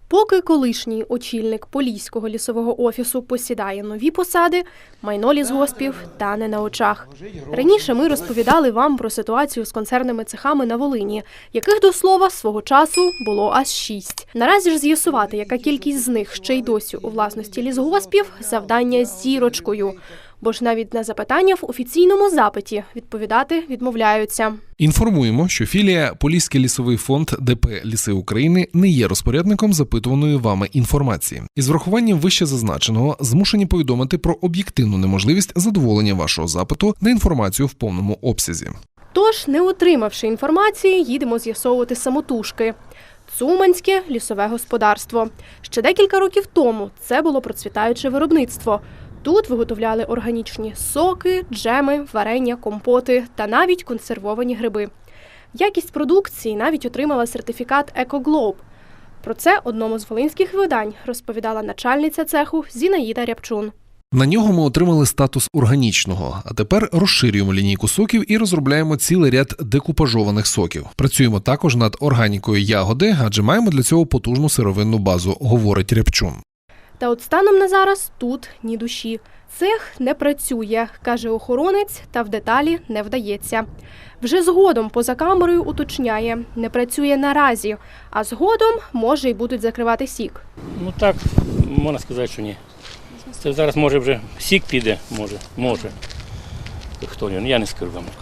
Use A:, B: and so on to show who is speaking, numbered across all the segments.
A: Поки колишній очільник Поліського лісового офісу посідає нові посади, майно лісгоспів тане на очах. Раніше ми розповідали вам про ситуацію з концерними цехами на Волині, яких, до слова, свого часу було аж 6. Наразі ж з'ясувати, яка кількість з них ще й досі у власності лісгоспів – завдання з зірочкою. Бо ж навіть на запитання в офіційному запиті відповідати відмовляються.
B: Інформуємо, що філія Поліський лісовий фонд ДП «Ліси України» не є розпорядником запитуваної вами інформації. Із врахуванням вище зазначеного змушені повідомити про об'єктивну неможливість задоволення вашого запиту на інформацію в повному обсязі.
A: Тож, не отримавши інформації, їдемо з'ясовувати самотужки. Цуманське лісове господарство. Ще декілька років тому це було процвітаюче виробництво. Тут виготовляли органічні соки, джеми, варення, компоти та навіть консервовані гриби. Якість продукції навіть отримала сертифікат «Екоглоб». Про це одному з волинських видань розповідала начальниця цеху Зінаїда Рябчун.
B: На нього ми отримали статус органічного, а тепер розширюємо лінійку соків і розробляємо цілий ряд декупажованих соків. Працюємо також над органікою ягоди, адже маємо для цього потужну сировинну базу, говорить Рябчун.
A: Та от станом на зараз тут ні душі. Цех не працює, каже охоронець, та в деталі не вдається. Вже згодом поза камерою уточняє, не працює наразі, а згодом, може, й будуть закривати сік.
C: Ну так, можна сказати, що ні. Це зараз, може, вже сік піде, може. Хто він, я не скажу вам.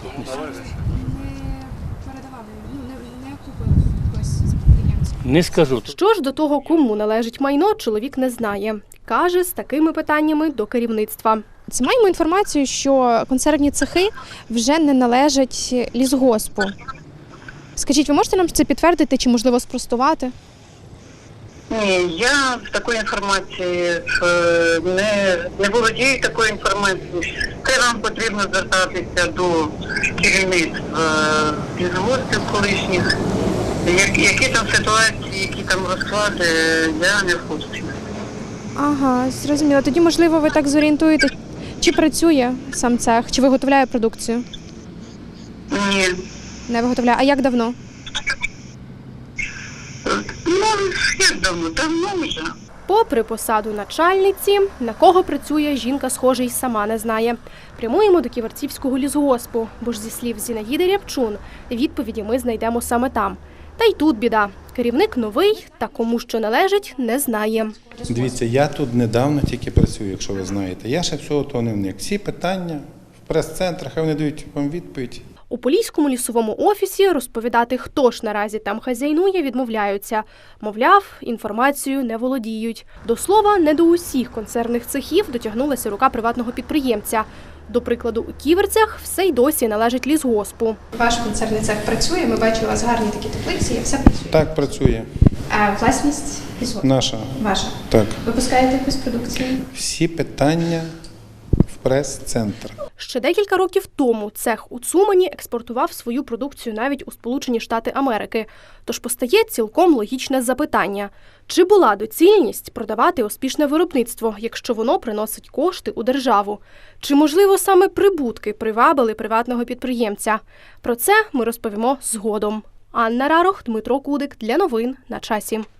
C: Не скажу.
A: Що ж до того, кому належить майно, чоловік не знає. Каже, з такими питаннями до керівництва.
D: Маємо інформацію, що консервні цехи вже не належать лісгоспу. Скажіть, ви можете нам це підтвердити чи, можливо, спростувати?
E: Ні, я в такої інформації не володію такою інформацією. Це вам потрібно звертатися до керівництва лісгоспів колишніх. Які там ситуації, які там розклади, я не в курсі.
D: Ага, зрозуміло. Тоді, можливо, ви так зорієнтуєте, чи працює сам цех, чи виготовляє продукцію?
E: Ні.
D: Не виготовляє. А як давно?
E: Ну, як давно? Давно вже.
A: Попри посаду начальниці, на кого працює, жінка, схоже, й сама не знає. Прямуємо до Ківерцівського лісгоспу, бо ж зі слів Зінаїди Рябчун, відповіді ми знайдемо саме там. Та й тут біда. Керівник новий, та кому що належить, не знає.
F: Дивіться, я тут недавно тільки працюю, якщо ви знаєте. Я ще всього того не вник. Всі питання в прес-центрах, хай вони дають вам відповідь.
A: У Поліському лісовому офісі розповідати, хто ж наразі там хазяйнує, відмовляються. Мовляв, інформацією не володіють. До слова, не до усіх концернних цехів дотягнулася рука приватного підприємця. До прикладу, у Ківерцях все й досі належить лісгоспу.
D: Ваш концерний цех працює, ми бачили, у вас гарні такі теплиці, і все працює.
F: Так, працює.
D: А власність лісгоспу?
F: Наша.
D: Ваша?
F: Так.
D: Випускаєте якусь продукцію?
F: Всі питання в прес-центр.
A: Ще декілька років тому цех у Цумані експортував свою продукцію навіть у Сполучені Штати Америки. Тож постає цілком логічне запитання. Чи була доцільність продавати успішне виробництво, якщо воно приносить кошти у державу? Чи, можливо, саме прибутки привабили приватного підприємця? Про це ми розповімо згодом. Анна Рарох, Дмитро Кудик. Для новин на часі.